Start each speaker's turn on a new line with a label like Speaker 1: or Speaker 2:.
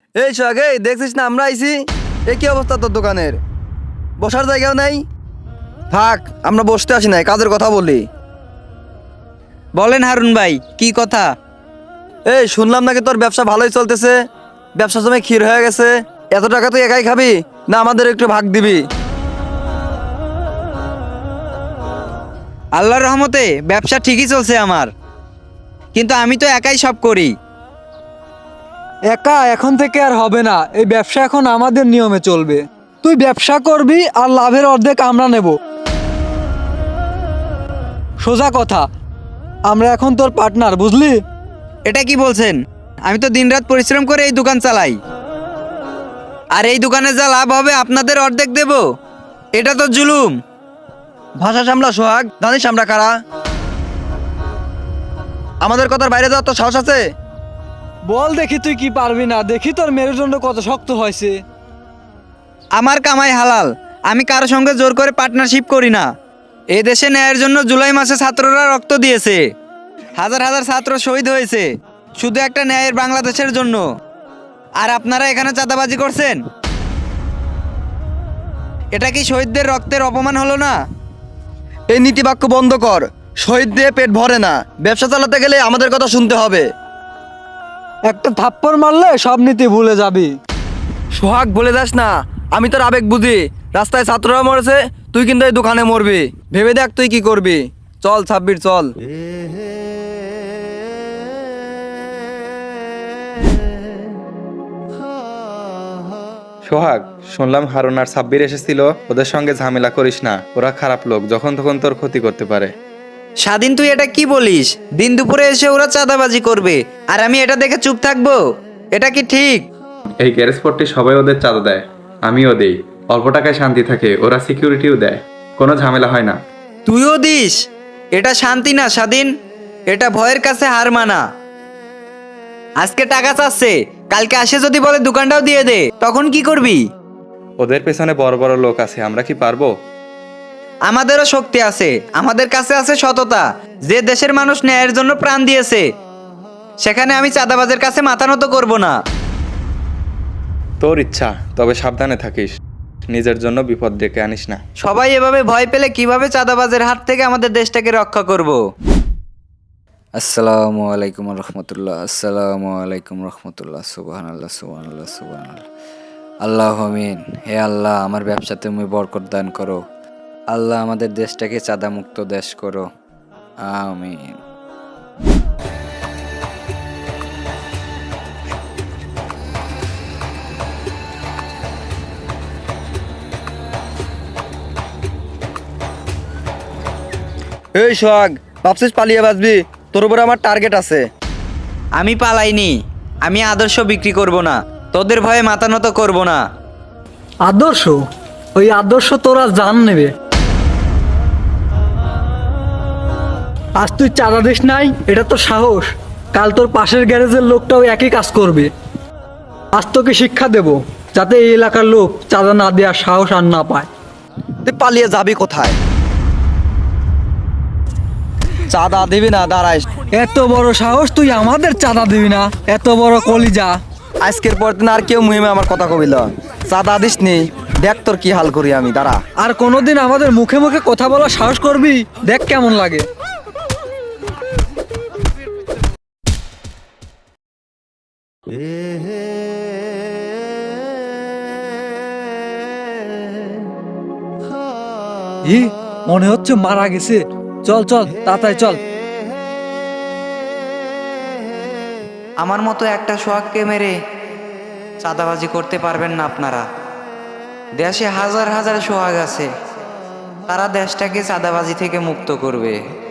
Speaker 1: এই সোহাগ, এই দেখছিস না আমরা আইছি। এ কি অবস্থা তোর দোকানের? বসার জায়গাও নাই। থাক, আমরা বসতে আসি নাই, কাজের কথা বলি।
Speaker 2: বলেন হারুন ভাই, কি কথা?
Speaker 1: এই শুনলাম নাকি তোর ব্যবসা ভালোই চলতেছে, ব্যবসা জমে ক্ষীর হয়ে গেছে। এত টাকা তুই একাই খাবি না আমাদের একটু ভাগ দিবি?
Speaker 2: আল্লাহর রহমতে ব্যবসা ঠিকই চলছে আমার, কিন্তু আমি তো একাই সব করি।
Speaker 3: একা এখন থেকে আর হবে না, এই ব্যবসা এখন আমাদের নিয়মে চলবে। তুই ব্যবসা করবি আর লাভের অর্ধেক আমরা নেব। সোজা কথা, আমরা এখন তোর পার্টনার, বুঝলি?
Speaker 2: এটা কি বলছেন? আমি তো দিনরাত পরিশ্রম করে এই দোকান চালাই, আর এই দোকানে যা লাভ হবে আপনাদের অর্ধেক দেব? এটা তো জুলুম।
Speaker 1: ভাষা সামলা সোহাগ, জানিস আমরা কারা? আমাদের কথার বাইরে যাওয়ার তো সাহস আছে?
Speaker 3: বল দেখি তুই কি পারবি না, দেখি তোর মেরুদণ্ড কত শক্ত হয়েছে।
Speaker 2: আমার কামাই হালাল, আমি কারো সঙ্গে জোর করে পার্টনারশিপ করি না। এই দেশে ন্যায়ের জন্য জুলাই মাসে ছাত্ররা রক্ত দিয়েছে, হাজার হাজার ছাত্র শহীদ হয়েছে শুধু একটা ন্যায়ের বাংলাদেশের জন্য। আর আপনারা এখানে চাঁদাবাজি করছেন, এটা কি শহীদদের রক্তের অপমান হলো না?
Speaker 1: এই নীতিবাক্য বন্ধ কর। শহীদ দিয়ে পেট ভরে না, ব্যবসা চালাতে গেলে আমাদের কথা শুনতে হবে।
Speaker 3: একটা থাপ্পড় মারলে সব নীতি ভুলে যাবি।
Speaker 1: সোহাগ, বলে যাস না, আমি তোর আবেগ বুঝি। রাস্তায় ছাত্ররা মরেছে, তুই কিন্তু এই দোকানে মরবি। ভেবে দেখ তুই কি করবি। চল ছাব্বির, চল।
Speaker 4: সোহাগ, শুনলাম হারুন আর সাব্বির এসেছিল। ওদের সঙ্গে ঝামেলা করিস না, ওরা খারাপ লোক, যখন তখন তোর ক্ষতি করতে পারে।
Speaker 2: স্বাধীন, তুই এটা কি বলিস? দিন দুপুরে এসে ওরা চাঁদাবাজি করবে আর আমি এটা দেখে চুপ থাকবো? এটা কি ঠিক?
Speaker 4: এই গ্যারেজ পট্টি সবাই ওদের চাঁদা দেয়, আমিও দেই। অল্প টাকায় শান্তি থাকে, ওরা সিকিউরিটিও দেয়, কোনো ঝামেলা হয় না।
Speaker 2: তুইও দিস? এটা শান্তি না স্বাধীন, এটা ভয়ের কাছে হার মানা। আজকে টাকা চাচ্ছে, কালকে আসে যদি বলে দোকানটাও দিয়ে দে, তখন কি করবি?
Speaker 4: ওদের পেছনে বড় বড় লোক আছে, আমরা কি পারবো?
Speaker 2: আমাদেরও শক্তি আছে, আমাদের কাছে আছে সততা। যে দেশের মানুষ ন্যায়ের জন্য প্রাণ দিয়েছে, সেখানে আমি চাঁদাবাজের কাছে মাথা নত করবো না।
Speaker 4: তোর ইচ্ছা, তবে সাবধানে থাকিস, নিজের জন্য বিপদ ডেকে আনিস না।
Speaker 2: সবাই এভাবে ভয় পেলে কিভাবে চাঁদাবাজের হাত থেকে আমাদের দেশটাকে রক্ষা করব? আসসালামু আলাইকুম রহমতুল্লাহ, আসসালামু আলাইকুম রহমতুল্লাহ, সুবহানাল্লাহ সুবহানাল্লাহ সুবহানাল্লাহ। আল্লাহ আমিন। হে আল্লাহ, আমার ব্যবসা তুমি বরকত দান করো। আল্লাহ, আমাদের দেশটাকে চাঁদা মুক্ত দেশ করো, আমিন।
Speaker 1: এই সোহাগ, ভাবছিস পালিয়ে বাঁচবি? তোর উপরে আমার টার্গেট আছে।
Speaker 2: আমি পালাইনি, আমি আদর্শ বিক্রি করব না, তোদের ভয়ে মাথা নত করব না।
Speaker 3: আদর্শ? ওই আদর্শ তোরা জান নেবে। আজ তুই চাঁদা দিস নাই, এটা তো সাহস। কাল তোর পাশের গ্যারেজের লোকটাও একই কাজ করবে। আজ তোকে শিক্ষা দেব, যাতে এই এলাকার লোক চাঁদা না দেওয়ার সাহস আর না পায়।
Speaker 1: তুই পালিয়ে যাবি কোথায়? চাঁদা দিবি না? দাঁড়াইস।
Speaker 3: এত বড় সাহস, তুই আমাদের চাঁদা দিবি না? এত বড় কলিজা!
Speaker 1: আজকের পর দিন আর কেউ মুহিমে আমার কথা কবিল। চাঁদা দিস নি, দেখ তোর কি হাল করি আমি, দাঁড়া।
Speaker 3: আর কোনোদিন আমাদের মুখে মুখে কথা বলার সাহস করবি, দেখ কেমন লাগে। মনে হচ্ছে মারা গেছে। চল চল, তাড়াতাড়ি চল।
Speaker 2: আমার মতো একটা সোহাগকে মেরে চাঁদাবাজি করতে পারবেন না আপনারা। দেশে হাজার হাজার সোহাগ আছে, তারা দেশটাকে চাঁদাবাজি থেকে মুক্ত করবে।